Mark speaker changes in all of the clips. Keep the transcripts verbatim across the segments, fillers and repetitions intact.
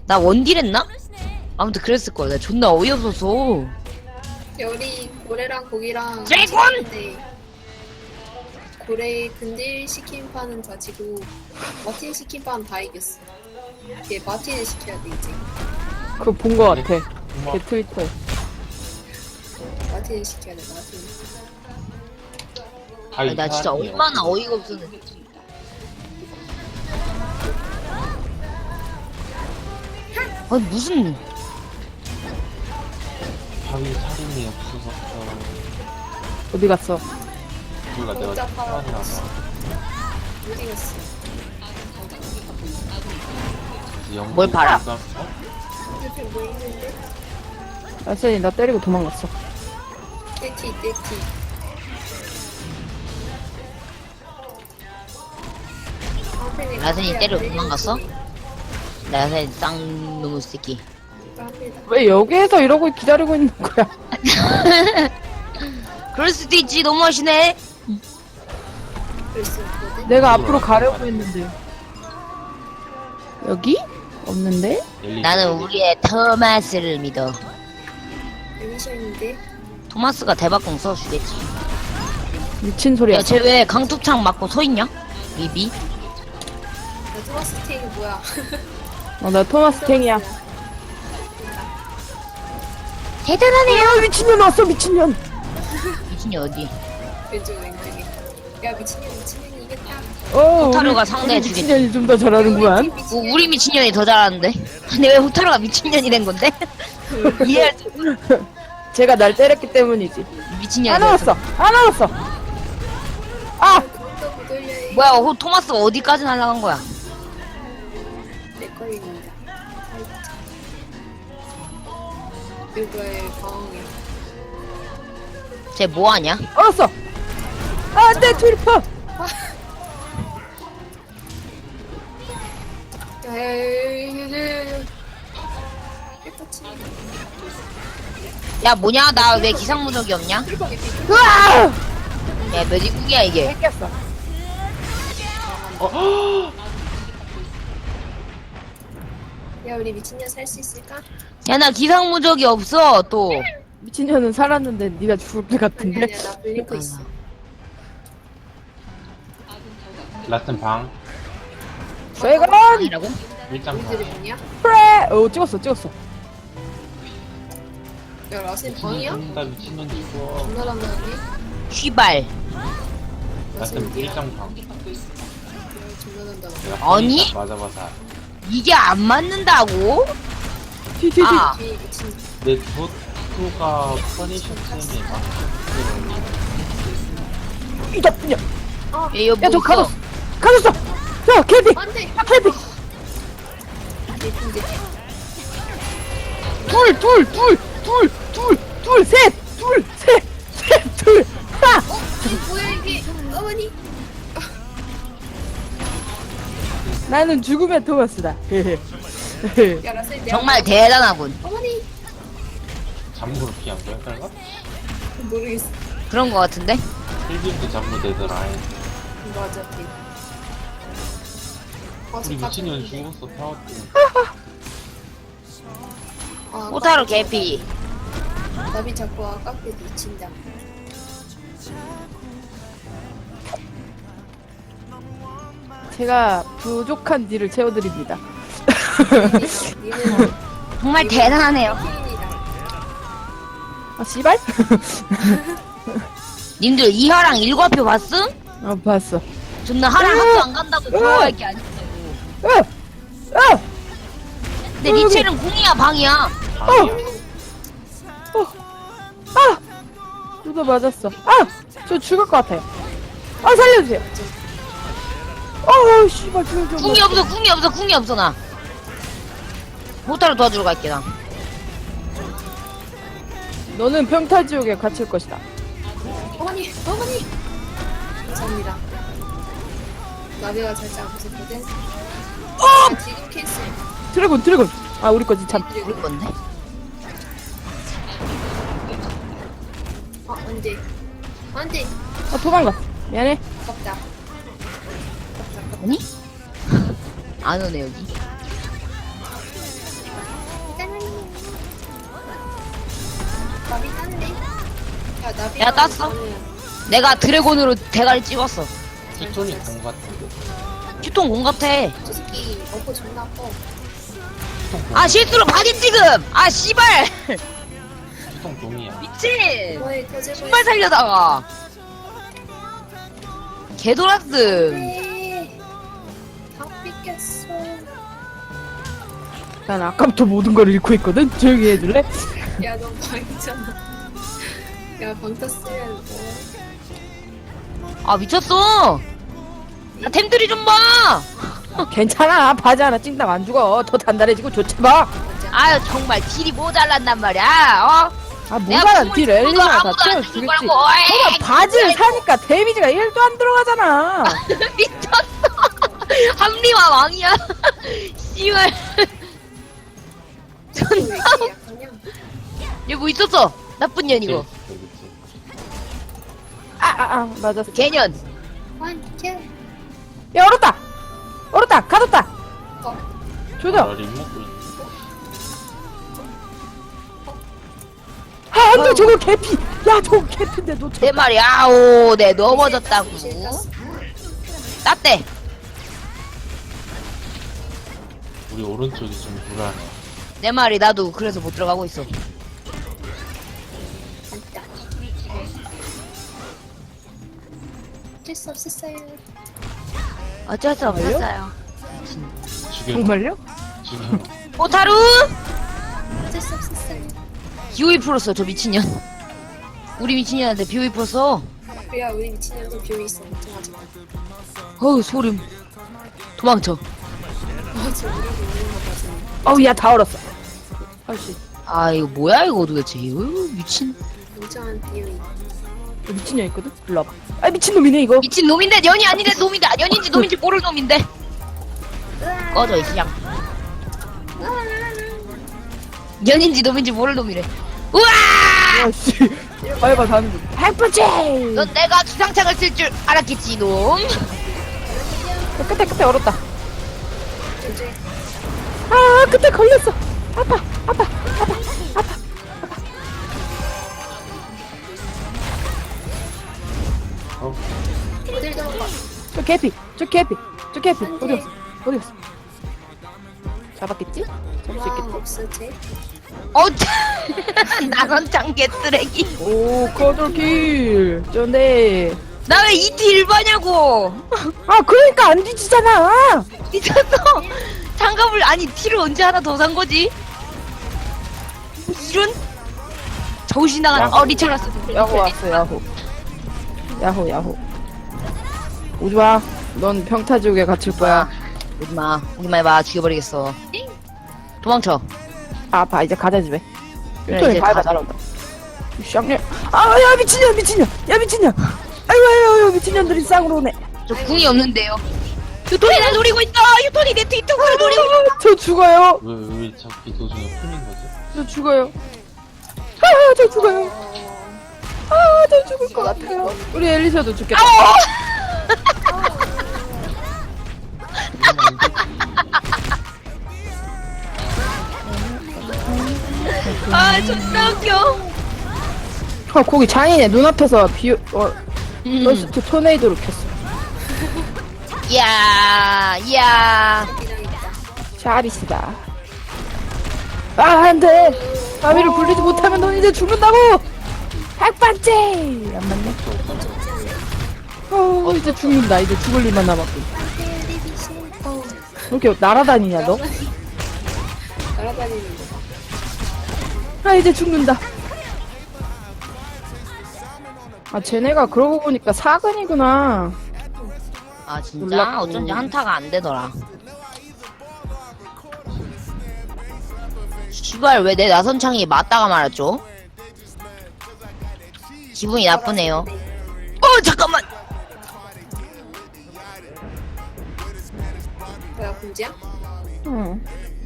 Speaker 1: 나 원딜 했나? 아무튼 그랬을 거야. 나 존나 어이없어서.
Speaker 2: 열이 고래랑 고기랑
Speaker 1: 드래곤!
Speaker 2: 치킨인데 고래 근딜 시킨 판은 다 지고 마틴 시킨 판은 다 이겼어. 얘 마틴을 시켜야 돼 이제.
Speaker 3: 그거 본 거 같아. 걔 트위터에.
Speaker 2: 마틴을 시켜야 돼 마틴.
Speaker 1: 아니, 나 진짜 얼마나 어이가 없었는지. 아니 무슨
Speaker 4: 바위 살인이 없어서
Speaker 3: 어디 갔어?
Speaker 4: 우리가 내가
Speaker 2: 혼자 팔아.
Speaker 4: 살인하다
Speaker 2: 못 이겼어.
Speaker 1: 뭘 팔아?
Speaker 2: 옆에 뭐 있는데?
Speaker 3: 아선이 나 때리고 도망갔어.
Speaker 2: 떼티 떼티.
Speaker 1: 라센이 때려 도망갔어? 라센 쌍놈의 새끼.
Speaker 3: 왜 여기에서 이러고 기다리고 있는 거야?
Speaker 1: 그럴 수도 있지. 너무하시네.
Speaker 3: 내가 앞으로 가려고 했는데. 여기? 없는데?
Speaker 1: 나는 우리의 토마스를 믿어.
Speaker 2: 미션인데?
Speaker 1: 토마스가 대박공 써주겠지.
Speaker 3: 미친 소리야.
Speaker 1: 야, 쟤 왜 강투창 맞고 서있냐? 리비?
Speaker 2: 나 토마스 테이크 뭐야?
Speaker 3: 어, 나 토마스 탱이야.
Speaker 1: 대단하네요.
Speaker 3: 야, 미친년 왔어, 미친년.
Speaker 1: 미친이 어디?
Speaker 2: 왼쪽 왼쪽에. 야 미친년 미친년이 이겼다.
Speaker 3: 어,
Speaker 1: 호타루가
Speaker 3: 우리-
Speaker 1: 상대해
Speaker 3: 우리
Speaker 1: 주겠지.
Speaker 3: 미친년이 좀 더 잘하는구만.
Speaker 1: 우, 우리 미친년이 더 잘하는데? 근데 왜 호타루가 미친년이 된 건데? 이해할 수
Speaker 3: 제가 날 때렸기 때문이지.
Speaker 1: 미친년이
Speaker 3: 안
Speaker 1: 됐어.
Speaker 3: 나왔어, 안 나왔어. 아,
Speaker 2: 그것도 못 올려.
Speaker 1: 뭐야, 호, 토마스가 어디까지 날아간 거야?
Speaker 2: 내 거입니다. 이거의 방어이야.
Speaker 1: 쟤 뭐하냐?
Speaker 3: 얼었어. 아, 내 트리퍼.
Speaker 2: 야야야야야야야. 깨끗이.
Speaker 1: 야, 뭐냐? 나 왜 기상무적이 없냐?
Speaker 3: 으아!
Speaker 1: 야, 몇 입국이야, 이게?
Speaker 3: 뺏겼어.
Speaker 2: 야 우리 미친년 살 수 있을까?
Speaker 1: 야, 나 기상무적이 없어, 또.
Speaker 3: 미친년은 살았는데 네가 죽을 것
Speaker 2: 아니
Speaker 3: 같은데.
Speaker 2: 아니야 나 블링크 있어.
Speaker 4: 라튼 방
Speaker 3: 세건
Speaker 1: 아니라고?
Speaker 4: 일장
Speaker 2: 우리들이
Speaker 4: 방
Speaker 2: 뭐냐?
Speaker 3: 프레. 오, 찍었어, 찍었어.
Speaker 2: 야 라센 방이야?
Speaker 4: 나 미친년 죽어
Speaker 2: 존나 단단하네.
Speaker 1: 휘발.
Speaker 4: 라튼 일장 방
Speaker 2: 존나 단단하네.
Speaker 4: 내가
Speaker 1: 아니?
Speaker 4: 딱 맞아봐서
Speaker 1: 이게 안 맞는다고?
Speaker 3: 티, 티, 티.
Speaker 1: 아,
Speaker 2: 뒤에 미친.
Speaker 4: 내 도토가 퍼니셔 때문에 막
Speaker 3: 이다, 그냥.
Speaker 2: 아
Speaker 1: 얘 이거
Speaker 3: 야, 저
Speaker 1: 뭐
Speaker 3: 가졌어.
Speaker 1: 있어?
Speaker 3: 가졌어. 야, 캘비.
Speaker 2: 안돼.
Speaker 3: 야, 캘비.
Speaker 2: 예쁜데.
Speaker 3: 둘, 둘, 둘, 둘, 둘, 둘, 셋, 둘, 셋, 셋, 둘, 하나.
Speaker 2: 어? 뭐야 이게? 어머니.
Speaker 3: 나는 죽음의 토마스다.
Speaker 2: 야 라센 내가
Speaker 1: 정말 대단하군.
Speaker 2: 어머니.
Speaker 4: 잠무를 피한 거야? 설마?
Speaker 2: 모르겠어.
Speaker 1: 그런 거 같은데?
Speaker 4: 필기도 잠무 되더라
Speaker 2: 맞아. 걔. 아,
Speaker 4: 우리
Speaker 2: 저
Speaker 4: 미친년
Speaker 2: 같은데.
Speaker 4: 죽었어 타워트
Speaker 2: 아,
Speaker 1: 호타루
Speaker 2: 깎게
Speaker 1: 개피.
Speaker 2: 쳤다. 나비 자꾸 아깝게 미친다.
Speaker 3: 제가 부족한 딜을 채워드립니다.
Speaker 2: 니는
Speaker 1: 정말 대단하네요.
Speaker 2: 피인이다.
Speaker 3: 아, 씨발?
Speaker 1: 님들 이하랑 일과표 봤음?
Speaker 3: 어, 봤어.
Speaker 1: 존나 하랑 학교 안 간다고 부러워할 게 아니고.
Speaker 3: 으! 으!
Speaker 1: 근데 리첼은 공이야 방이야.
Speaker 4: 방이야
Speaker 3: 아! 누가 맞았어. 아! 저 죽을 것 같아요. 아, 살려주세요. 어, 씨발, 저, 저,
Speaker 1: 궁이 없어 궁이 없어 궁이 없어 나. 호타루 도와주러 갈게 나.
Speaker 3: 너는 평타지옥에 갇힐 것이다.
Speaker 2: 어머니, 어머니. 감사합니다. 나비가 살짝 아팠었거든. 아, 지금 캔슬.
Speaker 3: 드래곤, 드래곤. 아, 우리 거지, 참.
Speaker 1: 우리 건데?
Speaker 2: 아, 안 돼. 안 돼.
Speaker 3: 아, 도망가. 미안해.
Speaker 2: 아깝다. 아깝다, 아깝다.
Speaker 1: 아니? 안 오네 여기.
Speaker 2: 야, 나비
Speaker 1: 야, 땄어? 내가 드래곤으로 대가리 찍었어.
Speaker 4: 피톤이 공 같은데.
Speaker 1: 휴통 공 같아.
Speaker 2: 저 새끼 어퍼 존나 커.
Speaker 4: 피톤 공.
Speaker 1: 아 실수로 바디 지금. 아 씨발.
Speaker 4: 피톤 공이야.
Speaker 1: 미친.
Speaker 2: 이번에 터질
Speaker 1: 신발 살려다가. 개도라스.
Speaker 2: 네. 다 삐겠어.
Speaker 3: 난 아까부터 모든 걸 잃고 있거든. 조용히 해줄래?
Speaker 2: 야, 넌 방이잖아. 야, 방 탔으면 뭐.
Speaker 1: 아 미쳤어. 나 템들이 좀 봐.
Speaker 3: 괜찮아. 바지 하나 찡당 안 죽어. 더 단단해지고 좋지 봐.
Speaker 1: 아유 정말 딜이 모자란단 말이야. 어?
Speaker 3: 아
Speaker 1: 내가
Speaker 3: 모자란
Speaker 1: 궁을
Speaker 3: 딜
Speaker 1: 주고도
Speaker 3: 엘리나 다
Speaker 1: 아무도 안
Speaker 3: 채워주겠지.
Speaker 1: 주는 거라고. 에이,
Speaker 3: 너가 바지를 사니까 데미지가 일도 안 들어가잖아.
Speaker 1: 미쳤어. 합리화 왕이야. 씨발.
Speaker 2: 왜 이렇게 약하냐?
Speaker 1: 얘 뭐 있었어? 나쁜 년 이거.
Speaker 4: 그렇지.
Speaker 3: 아아아 아, 아, 맞았어.
Speaker 1: 개년.
Speaker 2: 완캐.
Speaker 3: 야 얼었다. 얼었다. 가뒀다.
Speaker 2: 어,
Speaker 3: 조져.
Speaker 4: 나 림 먹고 있는.
Speaker 3: 아 안돼 저거 개피. 야 저거 개피인데 놓쳐.
Speaker 1: 내 말이 아오 내 넘어졌다고.
Speaker 2: 실 땄어.
Speaker 1: 따대.
Speaker 4: 우리 오른쪽이 좀 불안해.
Speaker 1: 내 말이 나도 그래서 못 들어가고 있어.
Speaker 2: 간다. 어쩔 수 없었어요.
Speaker 1: 어쩔 수 없었어요.
Speaker 4: 지금
Speaker 3: 정말요?
Speaker 4: 지금
Speaker 1: 오타루
Speaker 2: 어쩔 수 없었어요.
Speaker 1: 비오이 풀었어 저 미친년. 우리 미친년한테 비오이 풀었어.
Speaker 2: 야, 우리 미친년도 비오 있어. 걱정하지 마.
Speaker 1: 어우 소름. 도망쳐.
Speaker 2: 맞아, 우리도 있는 거 맞아.
Speaker 3: 어우 야 다 얼었어. 아씨
Speaker 1: 아 이거 뭐야 이거 도대체. 어우, 미친.
Speaker 2: 인정한 비오.
Speaker 3: 미친년 있거든. 일로 와봐. 아 미친놈이네 이거.
Speaker 1: 미친 놈인데 년이 아닌데 놈인데 년인지 놈인지 모를 놈인데. 꺼져 이 시장. 년인지 놈인지 모를 놈이래. 우와!
Speaker 3: 아씨 빨리 가는 중. 핵펀치.
Speaker 1: 넌 내가 기상창을 쓸 줄 알았겠지 놈.
Speaker 3: 끝에 끝에 얼었다.
Speaker 2: 이제
Speaker 3: 아 끝에 걸렸어. 아파 아파 아파 아파.
Speaker 4: 어?
Speaker 2: 어딜 들어가?
Speaker 3: 저 개피 저 개피 저 개피 어디 갔어 어디 갔어. 잡았겠지? 잡을 수
Speaker 2: 와,
Speaker 3: 있겠지?
Speaker 2: 없어, 쟤.
Speaker 1: 어, 나선창 개쓰레기.
Speaker 3: 오 커들킬 쩐데.
Speaker 1: 나 왜 이티 일반냐고.
Speaker 3: 아 그러니까 안 뒤지잖아.
Speaker 1: 미쳤어. 장갑을 아니 티를 언제 하나 더 산 거지? 이런 정신 나간
Speaker 3: 야호.
Speaker 1: 어 리처라스.
Speaker 3: 야호 왔어 야호 야호 야호. 오지마. 넌 평타지옥에 갇힐 거야.
Speaker 1: 오지마 오지마 해봐 죽여버리겠어. 도망쳐.
Speaker 3: 아, 아파 이제 가자 집에.
Speaker 1: 그래,
Speaker 3: 유통이
Speaker 1: 이제
Speaker 3: 밟아
Speaker 1: 가자.
Speaker 3: 날아온다. 쌍년. 아야 미친년 미친년. 야 미친년. 아이고 아이고 아이고 미친년들이 쌍으로 오네.
Speaker 1: 저 궁이 없는데요. 유톤이 날 노리고 있어. 유톤이 내 뒤통수를 노리고 있어.
Speaker 3: 아, 저 죽어요.
Speaker 4: 왜, 왜 자꾸 도중에 풀린 거지?
Speaker 3: 저 죽어요. 아저 죽어요. 아저 죽을 것 같아요. 우리 엘리셔도 죽겠다.
Speaker 1: 아 존나 웃겨.
Speaker 3: 아 거기 장인의 눈앞에서 비 어,
Speaker 1: 음.
Speaker 3: 러스트 토네이도를 켰어.
Speaker 1: 이야 이야.
Speaker 3: 샤리스다. 아 안돼. 아미를 굴리지 못하면 넌 이제 죽는다고. 핵반지. 안 맞네. 어 이제 죽는다. 이제 죽을 일만 남았고. 왜 이렇게 날아다니냐 너?
Speaker 2: 날아다니는 거.
Speaker 3: 아 이제 죽는다. 아 쟤네가 그러고 보니까 사근이구나.
Speaker 1: 아 진짜
Speaker 3: 놀랍고.
Speaker 1: 어쩐지 한타가 안 되더라. 시발 왜 내 나선창이 맞다가 말았죠? 기분이 나쁘네요. 어 잠깐만.
Speaker 2: 뭐야, 군지야?
Speaker 3: 응.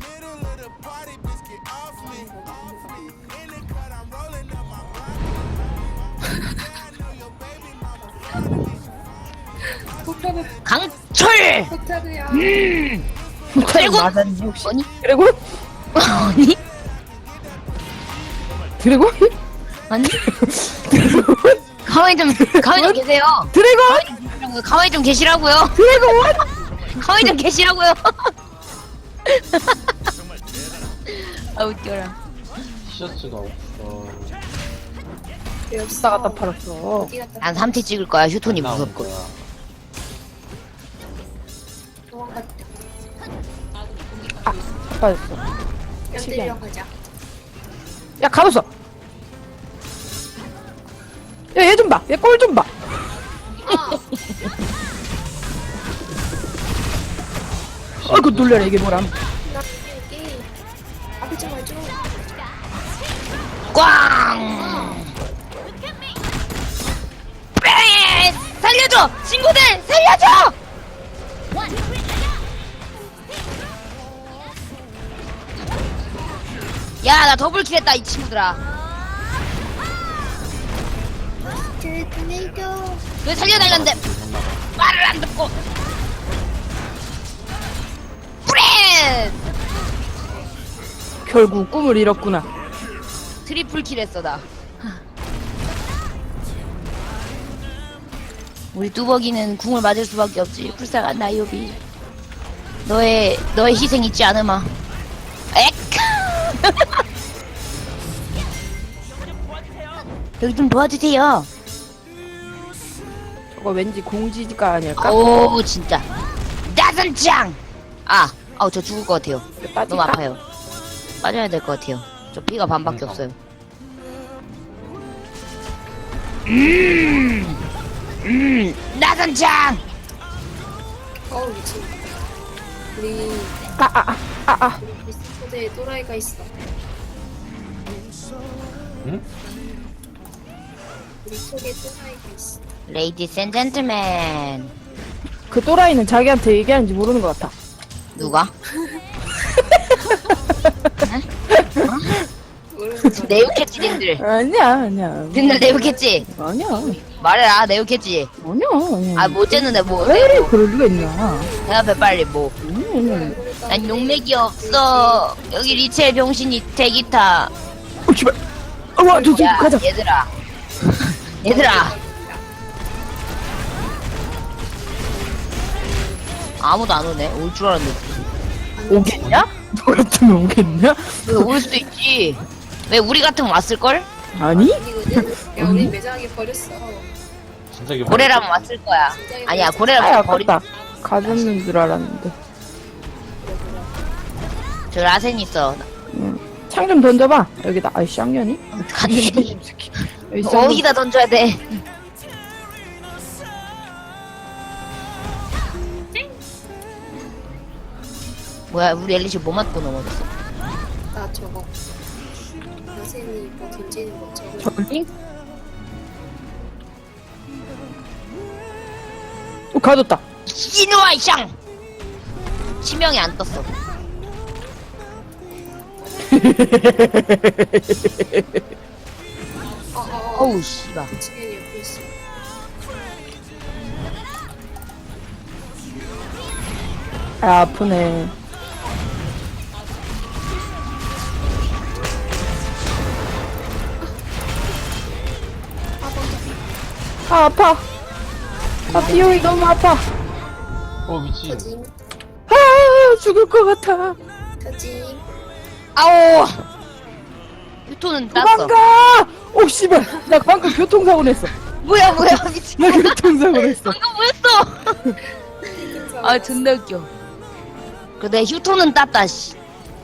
Speaker 2: 폭탄을,
Speaker 1: 강철.
Speaker 2: 폭탄이야.
Speaker 1: 그리고
Speaker 3: 맞았니 혹시?
Speaker 1: 아니
Speaker 3: 그리고
Speaker 1: 아니
Speaker 3: 드래곤?
Speaker 1: 아니? 가만히 좀 가만히 좀 계세요.
Speaker 3: 드래곤!
Speaker 1: 가만히 좀 계시라고요.
Speaker 3: 드래곤!
Speaker 1: 가만히 좀 계시라고요. 아 웃겨라.
Speaker 4: 티셔츠가 없어.
Speaker 2: 왜
Speaker 3: 다
Speaker 2: 없어?
Speaker 3: 갖다 팔았어.
Speaker 2: 어디 갔다
Speaker 1: 난 삼 티 찍을 거야. 휴톤이
Speaker 4: 안 나오는
Speaker 1: 무섭고.
Speaker 4: 거야.
Speaker 2: 도망갔다.
Speaker 3: 빠졌어.
Speaker 2: 뺨 때리러 가자.
Speaker 3: 야, 가뒀어! 야, 얘 좀 봐! 얘 꼴 좀 봐!
Speaker 2: 아,
Speaker 3: 어이구, 놀래라, 이게 뭐람.
Speaker 2: 나 여기 여기. 앞에 좀 와줘.
Speaker 1: 꽝! 뺑! 살려줘! 친구들 살려줘! 야, 나 더블킬 했다, 이 친구들아.
Speaker 2: 그 내려.
Speaker 1: 왜 살려달란데? 말을 안 듣고. 프렌!
Speaker 3: 결국 꿈을 잃었구나.
Speaker 1: 트리플 킬 했어, 나. 우리 뚜벅이는 궁을 맞을 수밖에 없지. 불쌍한 나이오비. 너의, 너의 희생 잊지 않으마. 엑! 여기 좀 도와주세요.
Speaker 3: 저거 왠지 공지가 아닐까?
Speaker 1: 오, 진짜. 나선짱! 아, 아우, 저 죽을 것 같아요.
Speaker 3: 빠질까?
Speaker 1: 너무 아파요. 빠져야 될 것 같아요. 저 피가 반밖에 없어요. 음, 음, 나선짱!
Speaker 2: 어우 미친. 우리
Speaker 3: 아, 아, 아, 아, 아.
Speaker 2: 우리 소대에 또라이가 있어.
Speaker 4: 응?
Speaker 2: 우리 속에 또라이가 있어.
Speaker 1: Ladies and gentlemen.
Speaker 3: 그 또라이는 자기한테 얘기하는지 모르는 것 같아.
Speaker 1: 누가?
Speaker 2: 모르는 거.
Speaker 1: 네오캣지 님들.
Speaker 3: 아니야, 아니야.
Speaker 1: 님들 네오캣지?
Speaker 3: 아니야.
Speaker 1: 말해라, 네오캣지.
Speaker 3: 아니야, 아니야.
Speaker 1: 아, 못 쨌는데 뭐.
Speaker 3: 왜 그럴 리가 있나?
Speaker 1: 대답해, 빨리, 뭐.
Speaker 3: 아니야, 아니야.
Speaker 1: 난 용맥이 없어. 여기 리첼 병신이 대기타.
Speaker 3: 어, 씨발. 어, 와, 저, 저,
Speaker 1: 야,
Speaker 3: 가자.
Speaker 1: 얘들아. 얘들아. 아무도 안 오네. 올 줄 알았는데.
Speaker 3: 오겠냐? 너 같으면 오겠냐?
Speaker 1: 왜 올 수도 있지. 왜 우리 같으면 왔을걸?
Speaker 3: 아니?
Speaker 2: 아니거든. 야 우리 매장에 버렸어.
Speaker 4: 진짜 이게
Speaker 1: 고래라면 왔을 거야. 아니야,
Speaker 3: 아야,
Speaker 1: 고래라면 버리.
Speaker 3: 아깝다. 가졌는 줄 알았는데.
Speaker 1: 저 라센 있어.
Speaker 3: 창 좀 던져봐. 여기다. 아이, 쌍년이?
Speaker 1: 갔니?
Speaker 3: 여기 쌍년.
Speaker 1: 어디다 던져야 돼? 뭐야, 우리 엘리시 뭐 맞고 넘어졌어?
Speaker 2: 나 저거. 여생이 뭐 던지는 거 저거.
Speaker 3: 저기? 오, 가졌다.
Speaker 1: 이누아 샹! 치명이 안 떴어.
Speaker 2: 어어어.
Speaker 1: 어우, 씨발.
Speaker 2: 지금 옆에 있어.
Speaker 3: 아, 아프네. 아, 아파. 아, 비용이 너무 아파.
Speaker 4: 어 미친.
Speaker 2: 터짐
Speaker 3: 아, 죽을 것 같아.
Speaker 2: 터짐.
Speaker 1: 아오! 휴토는 땄어.
Speaker 3: 도망가! 오, 씨발. 나 방금 교통사고 냈어.
Speaker 1: 뭐야, 뭐야, 미친.
Speaker 3: 나 교통사고 냈어.
Speaker 1: 이거 뭐였어? 아, 존나 웃겨. 근데 휴토는 땄다, 씨.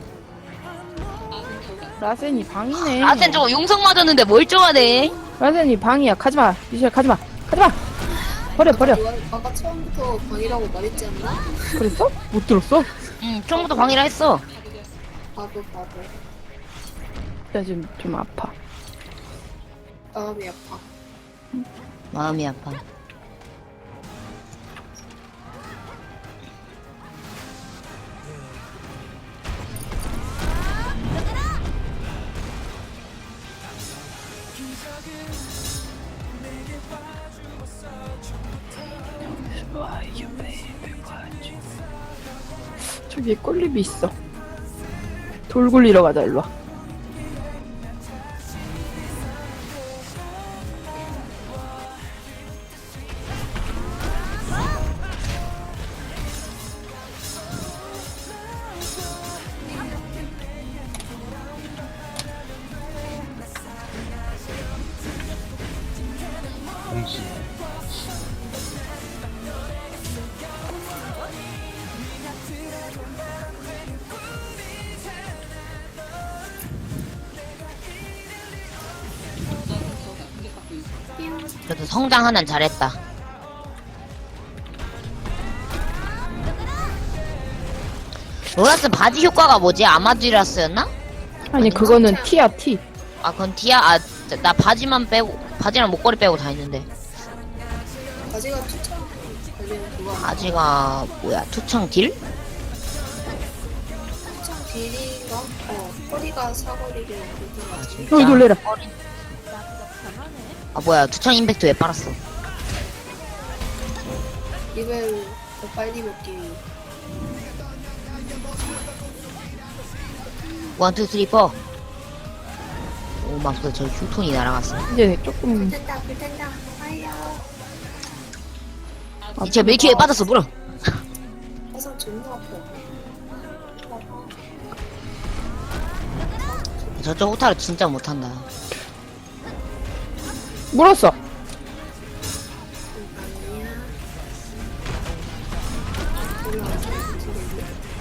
Speaker 3: 라센이 방이네.
Speaker 1: 아센 저거 용성 맞았는데 멀쩡하네.
Speaker 3: 라센이 방이야. 가지마. 미셸, 가지마. 가지마. 버려, 버려.
Speaker 2: 이거 아까 처음부터 방이라고 말했지 않나?
Speaker 3: 그랬어? 못 들었어?
Speaker 1: 응, 처음부터 방이라 했어.
Speaker 2: 바보 바보.
Speaker 3: 나 지금 좀 아파.
Speaker 2: 마음이 아파.
Speaker 1: 마음이 아파.
Speaker 3: 저기에 꼴립이 있어. 돌 굴리러 가자, 일로와.
Speaker 1: 그래도 성장 하나는 잘했다. 로라스 바지 효과가 뭐지? 아마디라스였나?
Speaker 3: 아니 그거는 T야 T.
Speaker 1: 아 그건 디아 아 나 바지만 빼고 바지랑 목걸이 빼고 다 있는데
Speaker 2: 바지가 투창 관련 그거 아니야?
Speaker 1: 바지가 뭐야 투창 딜?
Speaker 2: 투창 딜인가? 어 허리가 사거리를 그렇게 가지고
Speaker 3: 어이 놀래라.
Speaker 1: 아 뭐야 투창 임팩트 왜 빨았어?
Speaker 2: 리벨 더 빨리 먹기 위해
Speaker 1: 원, 투, 쓰리, 포. 오, 맙소, 저 휴톤이 날아갔어.
Speaker 3: 이제 조금
Speaker 2: 불탄다 불탄다 아야
Speaker 1: 이제 밀키에 빠졌어, 물어.
Speaker 2: 화상 존나 아파
Speaker 1: 저쪽 호타를 진짜 못한다.
Speaker 3: 물었어.
Speaker 2: 아니야 올라와서 움직이네.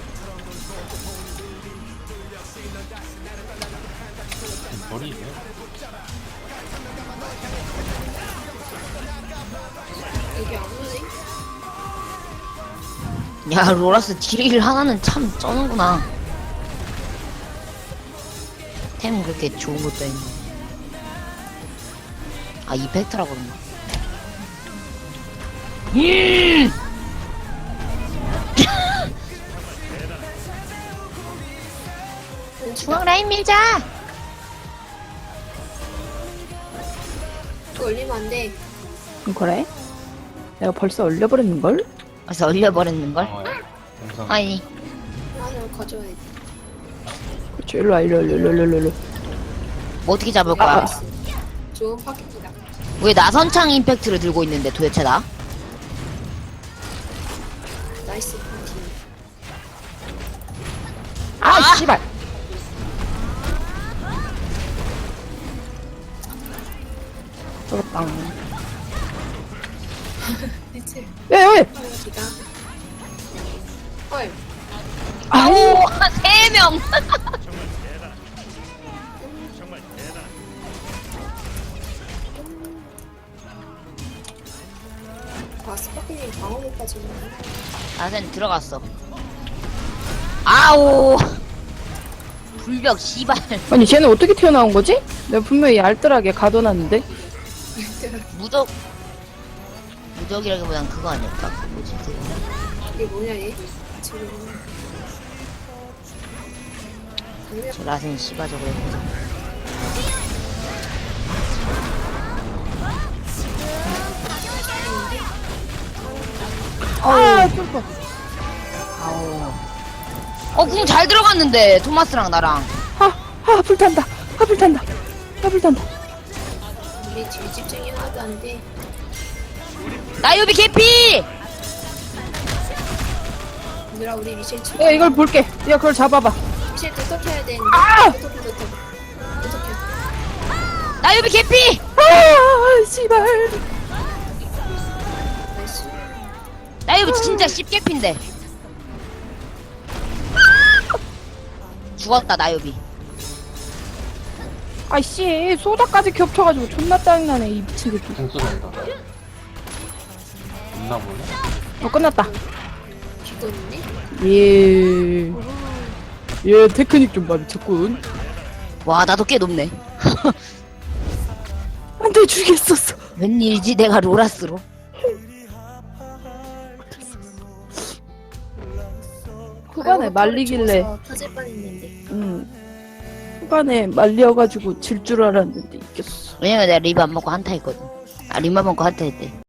Speaker 4: 머리 왜?
Speaker 2: 여기 안 오네?
Speaker 1: 야, 로라스 딜 하나는 참 쩌는구나. 템 그렇게 좋은 것도 있네. 아, 이펙트라 그런가. 음! 중앙 라인 밀자!
Speaker 2: 또 올리면 안 돼.
Speaker 3: 그래? 내가 벌써 올려버렸는걸?
Speaker 1: 그래서 얼려버렸는걸?
Speaker 4: 어, 영상.
Speaker 1: 아니,
Speaker 2: 하나 가져야 돼.
Speaker 3: 그렇지 일로와 일로 일로 일로 일로 일로.
Speaker 1: 뭐 어떻게 잡을 거야?
Speaker 3: 아, 아.
Speaker 2: 좋은 파켓이다.
Speaker 1: 왜 나선창 임팩트를 들고 있는데 도대체 나?
Speaker 2: 나이스 파티.
Speaker 3: 아,
Speaker 1: 아!
Speaker 3: 씨발. 저렇다.
Speaker 2: 대체
Speaker 3: 왜, 왜?
Speaker 2: 파티가. 헐.
Speaker 3: 아우.
Speaker 1: 오, 세 명!
Speaker 2: 아 스파클링 방어 못 빠지네.
Speaker 1: 나선 들어갔어. 아오! 불벽, 씨발.
Speaker 3: 아니, 쟤는 어떻게 튀어나온 거지? 내가 분명히 알뜰하게 가둬놨는데.
Speaker 1: 무적. 무적이라기보단 그거 아닐까? 그 뭐지, 그거.
Speaker 2: 이게 뭐냐 얘? 지금. 당장
Speaker 1: 저 라센 씨발 저거 해보자.
Speaker 3: 아, 쫄거.
Speaker 1: 아오. 어, 궁 잘 들어갔는데, 토마스랑 나랑.
Speaker 3: 아, 아, 불탄다. 아, 불탄다. 아, 불탄다.
Speaker 2: 우리 딜 집중이 하나도 안 돼.
Speaker 1: 나유비 개피!
Speaker 2: 얘들아 우리 미셸 치.
Speaker 3: 야, 이걸 볼게. 야, 그걸 잡아봐.
Speaker 2: 미셸 도톡해야 되는데.
Speaker 3: 아!
Speaker 2: 도톡해 도톡. 도톡해.
Speaker 1: 나유비 개피!
Speaker 3: 아, 씨발.
Speaker 2: 나이스.
Speaker 1: 나유비 진짜 씹개피인데. 죽었다, 나유비.
Speaker 3: 아이씨, 소다까지 겹쳐가지고 존나 짜증나네, 이 미친 새끼.
Speaker 4: 공 쏘는다. 있나 보네?
Speaker 3: 어, 끝났다.
Speaker 2: 죽었니?
Speaker 3: 예. 예, 테크닉 좀 봐, 미쳤군.
Speaker 1: 와, 나도 꽤 높네.
Speaker 3: 안 돼, 죽겠었어.
Speaker 1: 웬일이지, 내가 로라스로.
Speaker 3: 후반에 말리길래,
Speaker 2: 어, 터질 뻔했는데.
Speaker 3: 음. 후반에 말려가지고 질 줄 알았는데 이겼어.
Speaker 1: 왜냐면 내가 립 안 먹고 한타 했거든. 아, 립만 먹고 한타 했대.